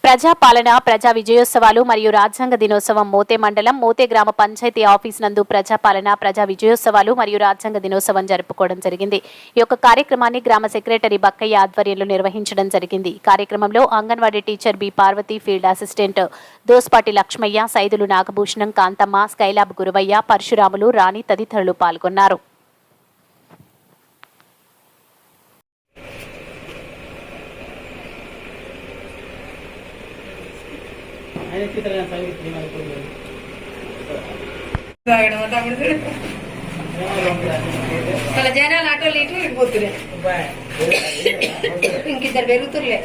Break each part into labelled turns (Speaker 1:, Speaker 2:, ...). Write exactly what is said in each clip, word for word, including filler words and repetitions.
Speaker 1: ప్రజాపాలన ప్రజా విజయోత్సవాలు మరియు రాజ్యాంగ దినోత్సవం మోతే మండలం మోతే గ్రామ పంచాయతీ ఆఫీస్ నందు ప్రజాపాలన ప్రజా విజయోత్సవాలు మరియు రాజ్యాంగ దినోత్సవం జరుపుకోవడం జరిగింది. ఈ యొక్క కార్యక్రమాన్ని గ్రామ సెక్రటరీ బక్కయ్య ఆధ్వర్యంలో నిర్వహించడం జరిగింది. ఈ కార్యక్రమంలో anganwadi teacher B Parvathi, field assistant Dospati Lakshmaiah, Saidulu Nagabhushanam, Kanthamma, Skylab Guruvaiah, Parasuramulu, Rani తదితరులు పాల్గొన్నారు.
Speaker 2: జనాలు ఆటోలు ఇటు ఇడిపోతున్నాయి, ఇంకిద్దరు పెరుగుతుర్లే.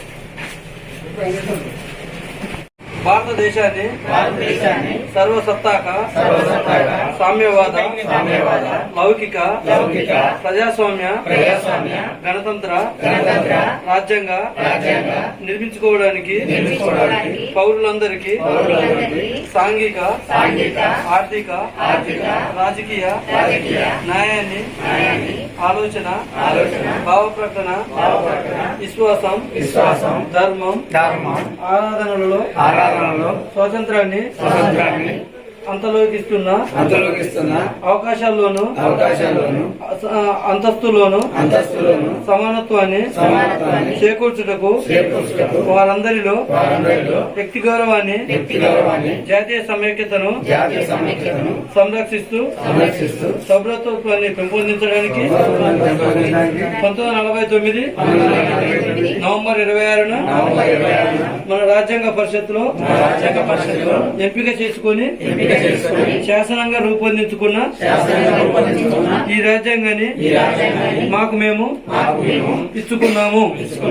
Speaker 3: భారతదేశాన్ని సర్వసత్తాక సామ్యవాద లౌకిక ప్రజాస్వామ్య గణతంత్ర రాజ్యాంగ నిర్మించుకోవడానికి పౌరులందరికీ సాంఘిక ఆర్థిక రాజకీయ న్యాయాన్ని ఆలోచన భావ ప్రకటన విశ్వాసం ధర్మం ఆరాధనలలో ఆరాధనలో స్వాతంత్రాన్ని స్వాతంత్రాన్ని అంతలోకిస్తున్న అంతలోకిస్తున్న అవకాశాల్లోను అవకాశాల్లోను అంతస్తులోను అంతస్తులోను సమానత్వాన్ని సమానత్వాన్ని చేకూర్చుటకు చేకూర్చుటకు వారందరిలో వారందరిలో వ్యక్తి గౌరవాన్ని వ్యక్తి గౌరవాన్ని జాతీయ సమైక్యతను జాతీయ సమైక్యతను సంరక్షిస్తూ సంరక్షిస్తూ సౌభ్రతత్వాన్ని పెంపొందించడానికి పంతొమ్మిది వందల నలభై తొమ్మిది నవంబర్ ఇరవై ఆరున మన రాజ్యాంగ పరిషత్తులో రాజ్యాంగ పరిషత్తులో ఎంపిక చేసుకుని శాసనంగా రూపొందించుకున్న ఈ రాజ్యాంగాన్ని మాకు మేము ఇచ్చుకున్నాము.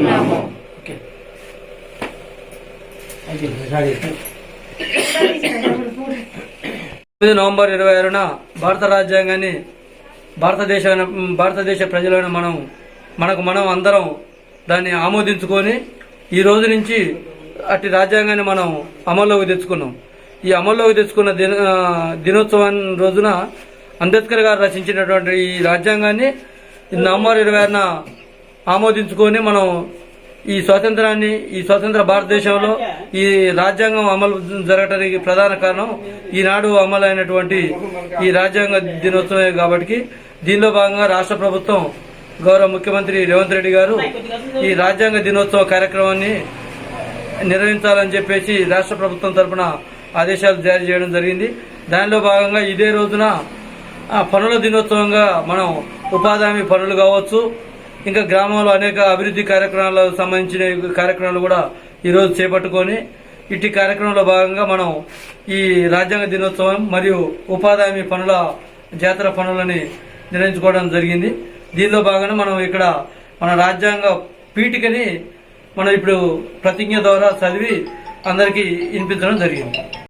Speaker 3: నవంబర్ ఇరవై ఆరున భారత రాజ్యాంగాన్ని భారతదేశ భారతదేశ ప్రజలైన మనం మనకు మనం అందరం దాన్ని ఆమోదించుకొని ఈ రోజు నుంచి అట్టి రాజ్యాంగాన్ని మనం అమల్లోకి తెచ్చుకున్నాం. ఈ అమల్లోకి తెచ్చుకున్న దిన దినోత్సవం రోజున అంబేద్కర్ గారు రచించినటువంటి ఈ రాజ్యాంగాన్ని నవంబర్ ఇరవై ఆరున ఆమోదించుకొని మనం ఈ స్వాతంత్రాన్ని ఈ స్వతంత్ర భారతదేశంలో ఈ రాజ్యాంగం అమలు జరగటానికి ప్రధాన కారణం ఈనాడు అమలు అయినటువంటి ఈ రాజ్యాంగ దినోత్సవమే కాబట్టి దీనిలో భాగంగా రాష్ట్ర ప్రభుత్వం గౌరవ ముఖ్యమంత్రి రేవంత్ రెడ్డి గారు ఈ రాజ్యాంగ దినోత్సవ కార్యక్రమాన్ని నిర్వహించాలని చెప్పేసి రాష్ట్ర ప్రభుత్వం తరఫున ఆదేశాలు జారీ చేయడం జరిగింది. దానిలో భాగంగా ఇదే రోజున పనుల దినోత్సవంగా మనం ఉపాధి హామీ పనులు కావచ్చు, ఇంకా గ్రామంలో అనేక అభివృద్ధి కార్యక్రమాలకు సంబంధించిన కార్యక్రమాలు కూడా ఈరోజు చేపట్టుకొని ఇట్టి కార్యక్రమంలో భాగంగా మనం ఈ రాజ్యాంగ దినోత్సవం మరియు ఉపాధి హామీ పనుల జాతర పనులని నిర్వహించుకోవడం జరిగింది. దీనిలో భాగంగా మనం ఇక్కడ మన రాజ్యాంగ పీఠికని మనం ఇప్పుడు ప్రతిజ్ఞ ద్వారా చదివి అందరికీ వినిపించడం జరిగింది.